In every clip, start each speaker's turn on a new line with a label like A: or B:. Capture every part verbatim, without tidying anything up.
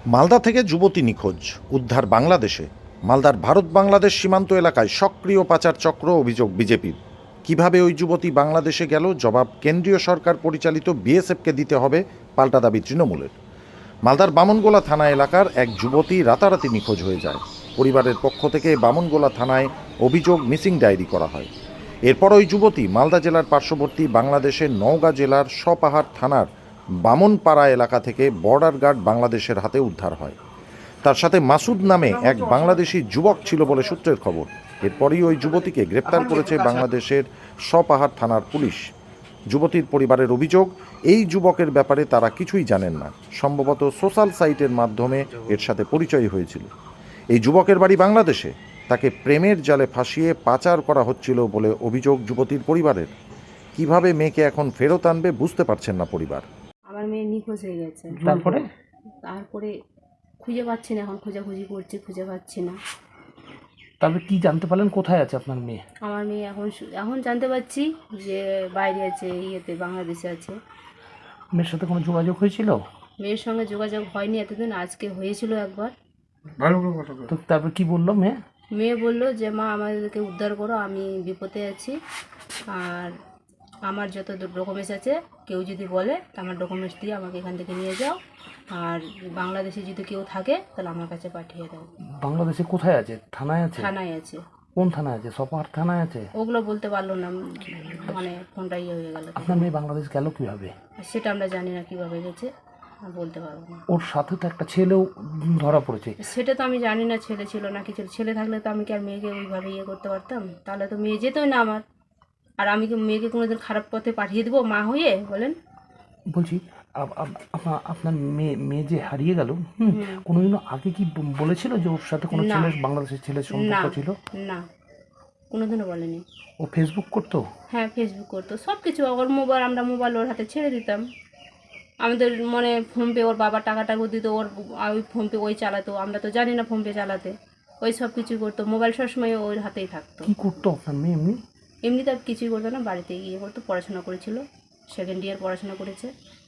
A: মালদা থেকে যুবতী নিখোঁজ, উদ্ধার বাংলাদেশে। মালদার ভারত বাংলাদেশ সীমান্ত এলাকায় সক্রিয় পাচার চক্র, অভিযোগ বিজেপির। কিভাবে ওই যুবতী বাংলাদেশে গেল, জবাব কেন্দ্রীয় সরকার পরিচালিত বিএসএফকে দিতে হবে, পাল্টা দাবি তৃণমূলের। মালদার বামনগোলা থানা এলাকার এক যুবতী রাতারাতি নিখোঁজ হয়ে যায়। পরিবারের পক্ষ থেকে বামনগোলা থানায় অভিযোগ মিসিং ডায়েরি করা হয়। এরপর ওই যুবতী মালদা জেলার পার্শ্ববর্তী বাংলাদেশের নওগাঁ জেলার সপাহার থানার বামনপাড়া এলাকা থেকে বর্ডার গার্ড বাংলাদেশের হাতে উদ্ধার হয়। তার সাথে মাসুদ নামে এক বাংলাদেশি যুবক ছিল বলে সূত্রের খবর। এরপরই ওই যুবতীকে গ্রেপ্তার করেছে বাংলাদেশের সপাহার থানার পুলিশ। যুবতীর পরিবারের অভিযোগ, এই যুবকের ব্যাপারে তারা কিছুই জানেন না। সম্ভবত সোশ্যাল সাইটের মাধ্যমে এর সাথে পরিচয় হয়েছিল। এই যুবকের বাড়ি বাংলাদেশে। তাকে প্রেমের জালে ফাঁসিয়ে পাচার করা হচ্ছিল বলে অভিযোগ যুবতীর পরিবারের। কিভাবে মেয়েকে এখন ফেরত আনবে বুঝতে পারছেন না পরিবার।
B: আমার মেয়ে নিখোঁজ হয়ে গেছে।
C: তারপরে
B: তারপরে খুঁজে পাচ্ছি না, এখন খোঁজাখুঁজি করছি, খুঁজে পাচ্ছি না।
C: তারপরে কি জানতে পারলেন কোথায় আছে আপনার মেয়ে?
B: আমার মেয়ে এখন এখন জানতে পারছি যে বাইরে আছে, ইয়েতে বাংলাদেশে আছে।
C: মেয়ের সাথে কোনো যোগাযোগ হয়েছিল?
B: মেয়ের সঙ্গে যোগাযোগ হয়নি এতদিন, আজকে হয়েছিল একবার।
C: তো তারপর কি বললো মেয়ে?
B: মেয়ে বললো যে মা আমাদেরকে উদ্ধার করো, আমি বিপদে আছি, আর আমার যত ডকুমেন্টস আছে কেউ যদি বলে তা আমার ডকুমেন্টস দিয়ে আমাকে এখান থেকে নিয়ে যাও, আর বাংলাদেশে যদি কেউ থাকে তাহলে আমার কাছে পাঠিয়ে দাও।
C: বাংলাদেশে কোথায় আছে? থানায় আছে?
B: থানায় আছে।
C: কোন থানায় আছে? সপাহার থানায় আছে?
B: ওগুলো বলতে পারলো না, মানে ফোনটা ইয়ে হয়ে গেল।
C: আপনার মেয়ে বাংলাদেশ গেল কিভাবে?
B: সেটা আমরা জানি না কিভাবে গেছে, বলতে পারবো না।
C: ওর সাথে তো একটা ছেলেও ধরা পড়েছে।
B: সেটা তো আমি জানি না ছেলে ছিল না কি ছিল। ছেলে থাকলে তো আমি কি আর মেয়েকে ওইভাবে ইয়ে করতে পারতাম? তাহলে তো মেয়ে যেতই না আমার। আর আমি কি মেয়েকে কোনোদিন খারাপ পথে পাঠিয়ে দেবো মা হয়ে? বলেন।
C: বলছি আপ- আপ- আপনার আপনার মেয়ে মেয়ে যে হারিয়ে গেল, হুম, কোনোদিনও আগে কি ব- বলেছিল যে ওর সাথে কোনো
B: না।
C: ছেলের, বাংলাদেশের ছেলের সম্পর্ক
B: না।
C: ছিল?
B: না, কোনোদিনও বলেনি।
C: ও ফেসবুক করতো?
B: হ্যাঁ, ফেসবুক করতো, সব কিছু। ওর মোবাইল, আমরা মোবাইল ওর হাতে ছেড়ে দিতাম। আমাদের মানে ফোনপে, ওর বাবা টাকা টাকা দিত, ওর ওই ফোনপে ওই চালাতো। আমরা তো জানি না ফোনপে চালাতে। ওই সব কিছু করতো, মোবাইল সবসময় ওর হাতেই থাকতো।
C: কি করতো আপনার মেয়ে এমনি?
B: এমনিতে আর কিছুই করতো না, বাড়িতে গিয়ে করতো। পড়াশোনা করেছিল, সেকেন্ড ইয়ার পড়াশোনা করেছে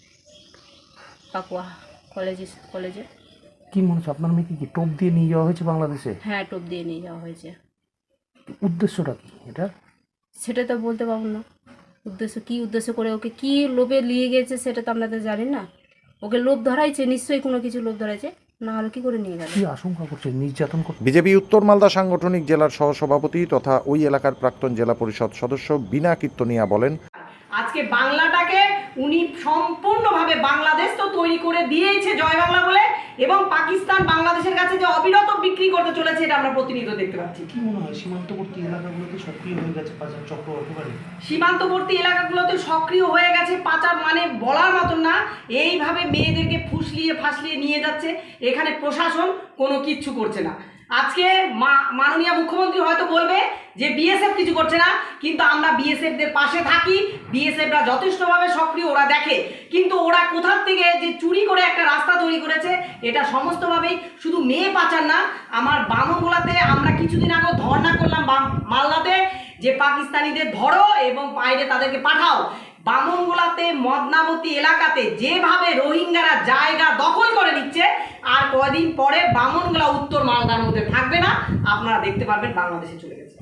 B: পাকুয়া কলেজে কলেজে
C: কি মনে হচ্ছে আপনার মেয়েকে কি টোপ দিয়ে নিয়ে যাওয়া হয়েছে বাংলাদেশে?
B: হ্যাঁ, টোপ দিয়ে নিয়ে যাওয়া হয়েছে।
C: উদ্দেশ্যটা কি এটা?
B: সেটা তো বলতে পারবো না। উদ্দেশ্য কী উদ্দেশ্য করে ওকে কী লোভে নিয়ে গেছে সেটা তো আমরা তো জানি না। ওকে লোভ ধরাইছে, নিশ্চয়ই কোনো কিছু লোভ ধরাইছে, না হলে কী করে নিয়ে গেল?
C: কি আশঙ্কা করছে? নির্যাতন করছে?
A: বিজেপি উত্তর মালদা সাংগঠনিক জেলার সহসভাপতি তথা ওই এলাকার প্রাক্তন জেলা পরিষদ সদস্য বিনা কীর্তনিয়া বলেন,
D: আজকে বাংলাটাকে উনি সম্পূর্ণভাবে বাংলাদেশ তো তৈরি করে দিয়েছে জয় বাংলা বলে, এবং পাকিস্তান বাংলাদেশের কাছে যে অবিরত বিক্রি করতে চলেছে এটা আমরা প্রতিনিয়ত দেখতে পাচ্ছি।
C: কি মনে হয় সীমান্তবর্তী এলাকাগুলোতে সক্রিয় হয়ে গেছে পাচার চক্র একেবারে?
D: সীমান্তবর্তী এলাকাগুলোতে সক্রিয় হয়ে গেছে পাচার, মানে বলার মতন না। এইভাবে মেয়েদেরকে ফুসলিয়ে ফাসলিয়ে নিয়ে যাচ্ছে, এখানে প্রশাসন কোনো কিচ্ছু করছে না। আজকে মাননীয় মুখ্যমন্ত্রী হয়তো বলবে যে বিএসএফ কিছু করছে না, কিন্তু আমরা বিএসএফদের পাশে থাকি। বিএসএফরা যথেষ্টভাবে সক্রিয়, ওরা দেখে। কিন্তু ওরা কোথার থেকে যে চুরি করে একটা রাস্তা তৈরি করেছে, এটা সমস্তভাবেই শুধু মেয়ে পাচার না। আমার বামনগোলাতে আমরা কিছুদিন আগে ধর্ণা করলাম মালদাতে, যে পাকিস্তানিদের ধরো এবং বাইরে তাদেরকে পাঠাও। বামনগোলাতে মদনাবতী এলাকাতে যেভাবে রোহিঙ্গারা জায়গা দখল করে নিচ্ছে, আর কয়দিন পরে বামনগোলা উত্তর মালদার মধ্যে থাকবে না, আপনারা দেখতে পারবেন বাংলাদেশে চলে গেছে।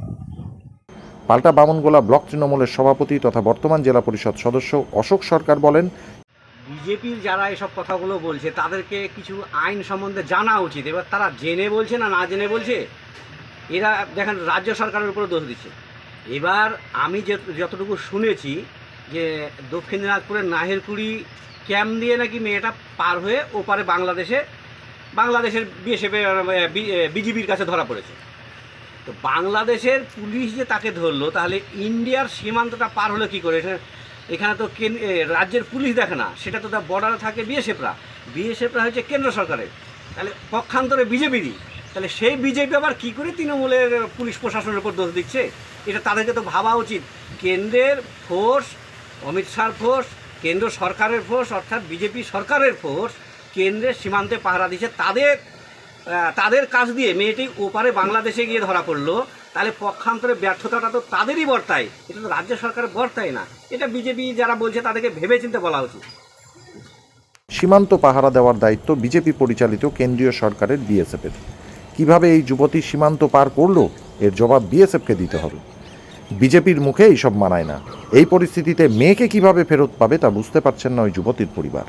A: পাল্টা বামনগোলা ব্লক তৃণমূলের সভাপতি তথা বর্তমান জেলা পরিষদ সদস্য অশোক সরকার বলেন,
E: বিজেপির যারা এসব কথাগুলো বলছে তাদেরকে কিছু আইন সম্বন্ধে জানা উচিত। এবার তারা জেনে বলছে না না জেনে বলছে, এরা দেখেন রাজ্য সরকারের উপরে দোষ দিচ্ছে। এবার আমি যে যতটুকু শুনেছি যে দক্ষিণ দিনাজপুরের নাহেরকুড়ি ক্যাম্প দিয়ে নাকি মেয়েটা পার হয়ে ওপারে বাংলাদেশে বাংলাদেশের বিএসএফ বিজিবির কাছে ধরা পড়েছে। তো বাংলাদেশের পুলিশ যে তাকে ধরলো, তাহলে ইন্ডিয়ার সীমান্তটা পার হলো কী করে? এখানে তো রাজ্যের পুলিশ দেখে না, সেটা তো তার বর্ডারে থাকে বিএসএফরা। বিএসএফরা হচ্ছে কেন্দ্র সরকারের, তাহলে পক্ষান্তরে বিজেপিরই। তাহলে সেই বিজেপি আবার কী করে তৃণমূলের পুলিশ প্রশাসনের উপর দোষ দিচ্ছে? এটা তাদেরকে তো ভাবা উচিত। কেন্দ্রের ফোর্স, অমিত শাহর ফোর্স, কেন্দ্র সরকারের ফোর্স, অর্থাৎ বিজেপি সরকারের ফোর্স কেন্দ্রের সীমান্তে পাহারা দিচ্ছে। তাদের তাদের কাজ দিয়ে মেয়েটি ওপারে বাংলাদেশে গিয়ে ধরা পড়লো, তাহলে পক্ষান্তরে ব্যর্থতাটা তো তাদেরই বর্তায়, এটা তো রাজ্য সরকারের বর্তায় না। এটা বিজেপি যারা বলছে তাদেরকে ভেবেচিন্তে বলা উচিত।
A: সীমান্ত পাহারা দেওয়ার দায়িত্ব বিজেপি পরিচালিত কেন্দ্রীয় সরকারের বিএসএফের। কিভাবে এই যুবতী সীমান্ত পার করলো এর জবাব বিএসএফকে দিতে হবে। বিজেপির মুখে এইসব মানায় না। এই পরিস্থিতিতে মেয়েকে কিভাবে ফেরত পাবে তা বুঝতে পারছেন না ওই যুবতীর পরিবার।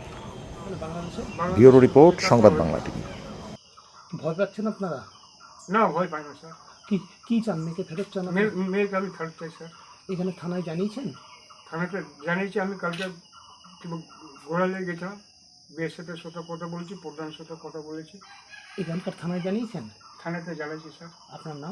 A: ব্যুরো রিপোর্ট, সংবাদ বাংলা টিভি।
C: ভয় পাচ্ছেন আপনারা?
F: না ভয় পাই না স্যার,
C: কি কি চান? মেয়েকে ফেরত চান?
F: মেয়ে মেয়েকে আমি ফেরত চাই স্যার।
C: এখানে থানায় জানিয়েছেন?
F: থানাতে জানিয়েছি, আমি কালকে ঘোরালে গেছিলাম, বিএসএফের সাথে কথা বলেছি, প্রধানের সাথে কথা বলেছি,
C: এখানকার থানায় জানিয়েছেন?
F: থানাতে জানাইছি স্যার।
C: আপনার নাম?